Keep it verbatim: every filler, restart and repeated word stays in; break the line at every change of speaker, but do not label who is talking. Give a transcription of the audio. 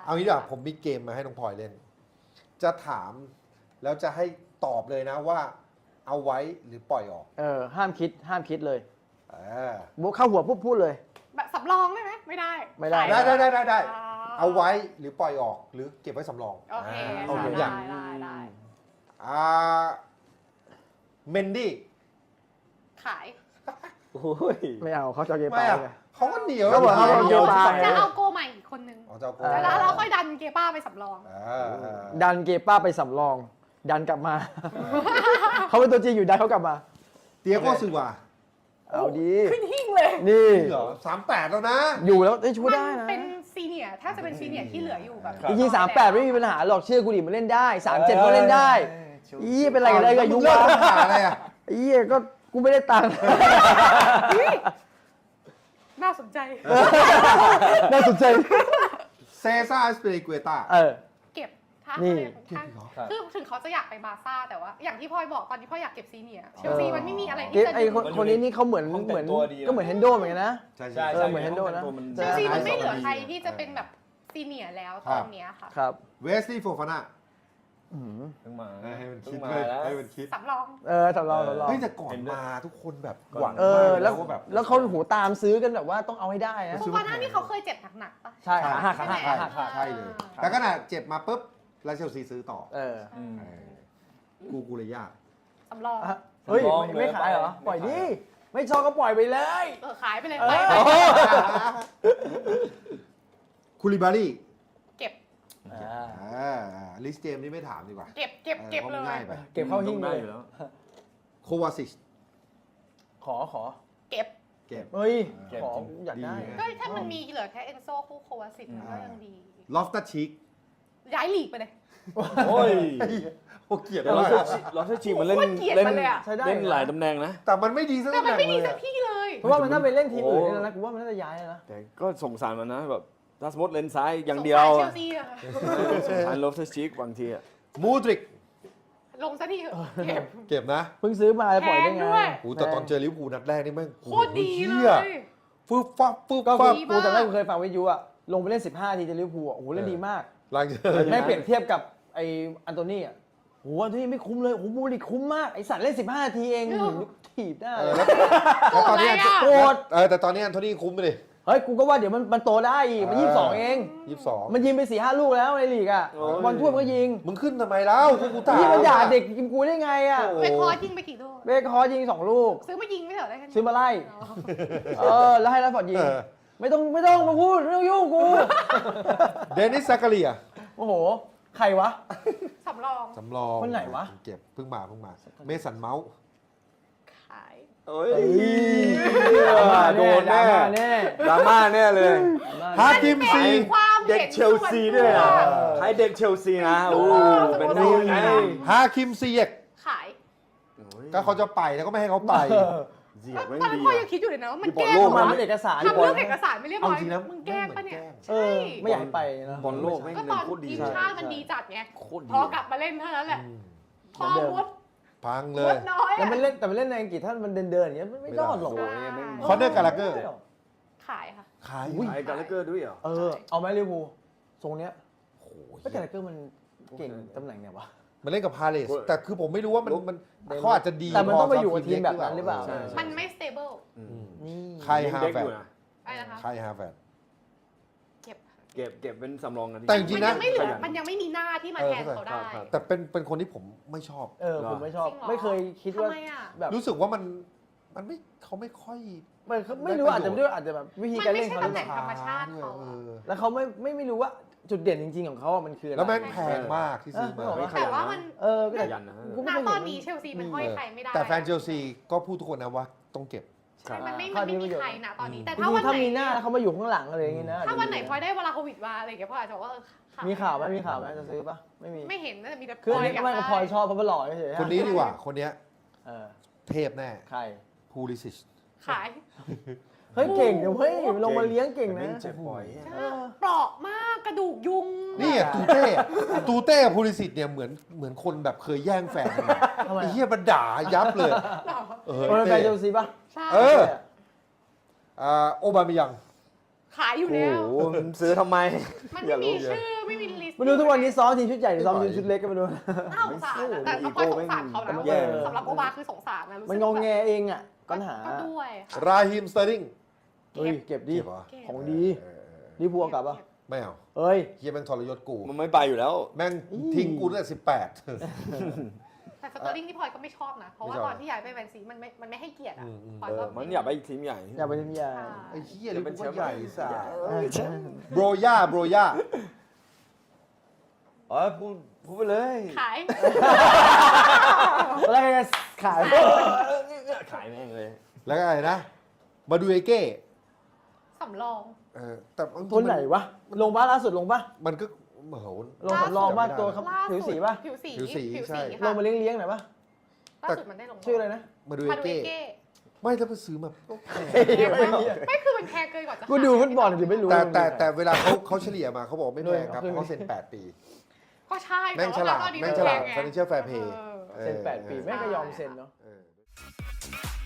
เอางี้ดีกว่าผมมีเกมมาให้น้องพลอยเล่น จะถามแล้วจะให้ตอบเลยนะว่า เอาไว้หรือปล่อยออก
เออห้ามคิดห้ามคิดเลย
เออ
บุ๊กเข้าหัวปุ๊บพูดเลย
แบบสำรองได้ไหมไม่ได้
ไม่ได้
ได้ได้ได้ได้ได้
อ่
เอาไว้หรือปล่อยออกหรือเก็บไว้สำรอง
โอเค
า
โอเค
ได้ได้ได้
อ่าเมนดี้
ขาย
โอ้ย
ไม่เอาเขาจะเอาเก
ไม่
ปา
อะ
ไง
เขาก็เหนียว
ก็เหมือนเขาเอาเกปา
จะเอาโกใหม่อีกคนนึง
อ๋อเจ้าโก
เออ
แล้วเราค่อยดันเกป้าไปสำรอง
อ่าอ่า
ดันเกป้าไปสำรอง ดันกลับมา เขาเป็นตัวจริงอยู่ดันเขากลับมา
เตียโก้ซึวา
เอาดี
ขึ้นหิ้งเลย
นี่
จริงเหรอสามแปดแล้วนะ
อยู่แล้วได้ช่วย
มัน
ได้นะ
เป็นซีเนียร์ถ้าจะเป็นซีเนียร์ที่เหลืออยู่แบบ
จริงๆสามแปดไม่มีปัญหาหรอกเชื่อกูดิมันเล่นได้สามเจ็ดก็เล่นได้อีเป็นไรกันเลยกับยุ
เลิ
วะ
กปัญหาอะไรอ่ะ
อีก็กูไม่ได้ตังค์
น่าสนใจ
น่าสนใจ
เซซ่าสเปริเกต้า
เออ
เก็บถ้า
นี่
อะไรของท่านคือถึงเขาจะอยากไปบาร์ซ่าแต่ว่า อย่างที่พลอยบอกตอนนี้พลอยอยากเก็บซีเนียร์เชลซีมันไม่มีอะไร
เก
ที่
ต
จะ
ไอคนคนนี้นี่เขาเหมือนเหมือนก็เหมือนเฮนโดเหมือนกันนะ
ใช่
ใช่
เออเหมือน Hendo นะ
เชลซีมันไม่เหลือใครที่จะเป็นแบบซีเนียร์แล้วตอนเนี้ยค่ะ
ครับ
เวสลีย์โฟฟาน่า
อืม
เพิ่งมา
ให้มันคิด
เพิ่ง
เล
มาย แล้ว
ให้มันคิด
สำรอง
เออสำรองสำรอง
เฮ้ยแต่ก่อนมาทุกคนแบบหวัง
เออ
มาก
แล้ว
ว่าแบบ
แล้วเขาหูตามซื้อกันแบบว่าต้องเอาให้ได้นะ
โฟฟาน่านี่เขาเคยเจ็บหนักๆปะ
ใช่
ใช่
ขาหักขาหักขาหัก
ใช่
ใช่เลย แต่ขนาดเจ็บมาปุ๊บแล้วเชลซีซื้อต่อ
เออ
อืม
เออกูกูเลยยาก
สำรอง
อ่ะเฮ้ย
สำรอง
ไม่ไม่ขายเหรอ
เลย
ปล่อยดิ ไม่ชอบก็ปล่อยไปเลย
เออขายไปเลย
เออ
ไปไป
คูลิบารี
เก็บ
อ่า
อ่าลิสเจมนี่ไม่ถามดีกว่า
เก็บเก็บเก็บ
พราะ
เล
มัน
ย
ง่ายไป
เก็บเข้าหิ้ง
ได้
เลย
อยู่แล้ว
โควาซิช
ขอขอ
เก็บ
เก็บ
เฮ้ย
เก็บ
ขอ
จริง
อยากได้
ดีนะ
ก็ถ้ามันมีเหลือแค่เอนโซคู่โควาสิตมันก็ยังดี
ลอฟตัสชิก
ย้ายลีกไปเลย
โอ้ย
โอ้เกลียด
แต่
มา
เรา
ก
เชื่อเราเชื่อชีมันเล่น
โคตรเกลียด
เล่น
มันเลยอะ
ใช้ได้
เล่นหลายตำแหน่งนะ
แต่มันไม่ดีสัก
แต่
ตำแห
มัน
น่ง
ไม่ดี
เลย
สักที่เลย
เพราะว่ามันถ้าไปเล่นทีมอื่น
โอ้
นี่นะกูว่ามันน่าจะย้ายแล้วนะ
แต่ก็สงสารมันนะแบบถ้าสมมติเลนซ้ายอย่างเดียว
สงสารเช
อะ
ลซีอะ
สงสารลอฟเทอร์ชิกบางทีอะ
มูดริก
ลงซะทีเถอะเก็บ
เก็บนะ
เพิ่งซื้อมาแล้วปล่อยได้
แพง
ไง
ด้วย
โอ้แต่ตอนเจอลิเวอร์พูลนัดแรกนี่แม่ง
โคตรดีเล
หี้
ย
ฟึบฟับฟึบ
ก็
ฟับ
ดี
กูแต่แรกกูเคยฟังวิทยุอะลงไปเล่นสิบห้าทีจะลิเวอร์พูลอะโอ้โหเล่นดีมาก
หลังจาก
แม่งเปรียบเทียบกับไออันโตนี่อะโอ้โหอันโตนี่ไม่คุ้มเลยโอ้โหบูริกคุ้มมากไอสัตว์เล่นสิบห้านาทีเองหืมถีบหน้า
เอ
เล
อย แล้วแล้วตอนนี้
โกรธอะไรอะ
โกรธ
เออแต่ตอนนี้อันโทนี่คุ้มไปดิ
เฮ้ยกูก็ว่าเดี๋ยวมันมันโตได้อีกมันยี่สิบสองเอง
ยี่สิบสอง
มันยิงไปสี่ห้าลูกแล้วในลีกอะบอลถ้วยมันก็ยิง
มึงขึ้นทำไมแล้วกูกูถาม
พี่มันด่าเด็กยิงกูได้ไงอะ
โอ้
ไปคอยิงไปกี่ลูก
เบคฮอร์ยิงสองลูก
ซื้อมายิงไม่เถอะได้แค่นี้
ซื้อมาไล่
อ๋อ
เออแล้วให้รัฟฟอร์ดยิง
เออ
ไม่ต้องไม่ต้องมาพูดไม่ต้องยุ่งกู
เดนิสซากาเรีย
โอ้โหใครวะ
สำรอง
สำรอง
คนไหนวะ
เก็บเพิ่งมาเพิ่งมา เมสันเมาส์
ขาย
เอ้ย
โดนแน่แน่
ดราม่าแน่เลย
ฮากิมซี
ความ
เด็ก
ห็น
เชลซีด้วย
ส่
อ่ะ
นตัว
ใครเด็กเชลซีนะโอ้เป็น
โอ้
นี่
โห
ไง
ฮาคิมซีเยก
ขาย
ก็เขาจะไปแล้วก็ไม่ให้เขาไป
เจียบ
ต
ไม่
อนนั้น
ดี
พ่อยั
อะ
งคิดอยู่เลยนะว่ามัน
ที่บอ
แก
ล
ล้ง
โลก
มา
มา
เป็นเอกสาร
ทำเรื่องเอกสารไม่เรียบร้อย
เอาจริงนะ
มึงแกล้งปะเนี่ย
เออไม่อยากให้ไปนะ
บอลโลกแม่ง
ก็
เล่
ต
น
อน
โคตรดี
ทีม
เลย
ชาติมันดีจัดไง
โคตรดี
พอกลับมาเล่นเท่านั้นแหละพอมด
พังเล
ม
ย
ดน้อย
แล้ว
อะ
มันเล่นแต่มันเล่นในอังกฤษถ้ามันเดินเดินอย่างเงี้ยไม่รอดหรอก
โอ้ยแม่ง
คอนเนอร์กาลาเกอร์
ขายค่ะ
ขาย
ขายการ์เกอร์ด้วยเหรอ
เออเอาไหมลิเวอร์พูลทรงเนี้ย
โอ้โห
ไม่แต่เกอร์มันเก่งตำแหน่งไหนวะ
มันเล่นกับพาเลสแต่คือผมไม่รู้ว่ามันมันเขาอาจจะดี
แต่มันต้องไป
พ
อยู่กับทีมแบบนั้นหรือเปล่า
ใช่ใช่
มันไม่ stable
อืม
นี่
ใครฮา
เด็ก
แฟ
อยู่
ร์
นะ
อะไรนะคะ
ใครฮาแฟร์
เก็บ
เก็บเก็บเป็นสำรองกันดี
แต่จริงๆนะ
มันยังไม่เหลือมันยังไม่มีหน้าที่มาแทนเขาได้
ครับ
แต่เป็นเป็นคนที่ผมไม่ชอบ
เออผมไม่ชอบ
จริงเหรอ
ไม่เคยคิดว่า
ทำไมอ่ะ
แบบ
รู้สึกว่ามันมันไม่เขาไม่ค่อย
ไม่ไม่รู้อาจจะไม่รู้อาจจะแบบวิธี
มัน
การ
ไม่
เล่น
ใช่
เขาหรือ
ตำแห
เป
น่ง
ล่า
ธรรมชาติเขา
เอ
อะ
อ
แล้วเขาไม่ไม่ไม่รู้ว่าจุดเด่นจริงๆของเขาอะมันคืออะไร
แล้วแม่งแพงมากที่ซื้อมา
เออ
แต่ว่ามัน
เออก็
ข
แต่
ยันนะ
กู
ณ
ไม่เคย
ตอน
เห็
นี้เชลซีมันห้อยใครไม่ได้
แต่แฟนเชลซีก็พูดทุกคนนะว่าต้องเก็บ
ใช่มันไม่
ครั
มั
บ
นไม่มีใครนะตอนนี้ แต่
จริ
ถ้าง วัน
ๆถ้า
ไหน
มีหน้าแล้วเขามาอยู่ข้างหลังอะไรอย่างงี้นะ
ถ้าวันไหนพลอยได้เวลาโควิดมาอะไรอย่างเงี้ยพลอยอาจจะบอกว่าเออขย
มีข่าวไหมมีข่าวไหมจะซื้อปะไม่มี
ไม่เห็นน่าจะมีแต่
คืออัน
พล
นี้
ย
ไม่กับพลอยชอบเพราะมันหล่อเฉยๆ
คนนี้ดีกว่า คนเนี้ย
เออ
เทพแน่
ใคร
พูลิซิช
ขาย
เฮ้ยเก่งเดี๋ยวเฮ้ยลงมาเลี้ยงเก่งนะ
แม่เจ็บบ่อย
เออ
เปราะมากกระดูกยุง
นี่อะตูเต้อะตูเต้กับพูลิซิชเนี่ยเหมือนเหมือนคนแบบเคยแย่งแฟนกันมา
ทำไม
ไอ้
อะ
เหี้ยมันด่ายับเลย เออ
คนเป็นแฟ
เต้
นเชลซีปะ
ใช่
เออ อ่าโอบามิยัง
ขายอยู่
โอ้
แล้ว
โหซื้อทำไม
มัน
อย่า
ไม่
รู้
มีชื่อไม่มีลิสต์
ไม่รู้ทุกวันนี้ซ้อมทีมชุดใหญ่หรือซ้อมทีมชุดเล็กก็ไม่รู้
น่าสงสารนะแต่ก็พอยสงสารเขานะ
แย่
สำหรับโอบาคือสงสารนะรู้สึก
มันงงแงเองอ่ะปัญหา
ก็ด้วยค่ะ
ราฮิมสเตอร์ลิง
เฮ้ยเก็บดี
เก็บเหรอ
ของดี
เออเออ
ลิเวอร์พูลกลับปะ
ไม่เอา
เอ้ย
เฮียแม่งทรยศกู
มันไม่ไปอยู่แล้ว
แม่งทิ้งกูตั้งแต่สิบแปด
แต่สเตอร์ลิงที่พลอยก็ไม่ชอบนะ เพราะว่า
ไม่ชอบ
ตอนที่ย้ายไปแมนซีมันไม่มันไม่ให้เกียรติอ่ะ
อืมอืม
พลอย
เอ
ก็
อมันอยากไปทีมใหญ่
อยากไปทีมใหญ่
อ่า
ไอ้เฮียลิเวอร์พูลใหญ่สัส
เออใช่
โบรย่าโบรย่า
อ๋อพูดพูดไปเลย
ขาย
แล้วไงขาย
ขายแม่งเลย
แล้วก็อะไรนะ มาดูเอเก้
สำรอง
เออแต่บางที
ตัวไหนวะ ลงบ้าล่าสุดลงป่ะ
มันก็เหมือน
ลงสำรองบ้าตัวครับ
ล่า
ผิว
สุ
สี
ด
ป่ะ
ผิวสี
ผิวสี
ผิว
ใช่
สี
ล
ค่ะ
งมาเลี้ยงๆหน่อยป่ะ
ล่าสุดมันได้ลง
ชื่ออะไรนะ
มาดู
มา
เอ
ดูเอ
เก้
เก้
ไม่ถ้าไปซื้อมาก็แพง
ไม่คือมันแพงเกินกว่าจะ
กูดูฟุตบอลถึงไม่รู้
แต่แต่แต่เวลาเขาเขาเฉลี่ยมาเขาบอกไม่แพงครับ
ด้วย
เพราะเขาเซ็นแปดปี
ก็ใช่
แม่งฉลาด
ต่ว่
แม่งฉลาด
ไง
financial fair play
เออ
เซ็นแปดปีแม่งก็ยอมเซ็นเนาะ
เออ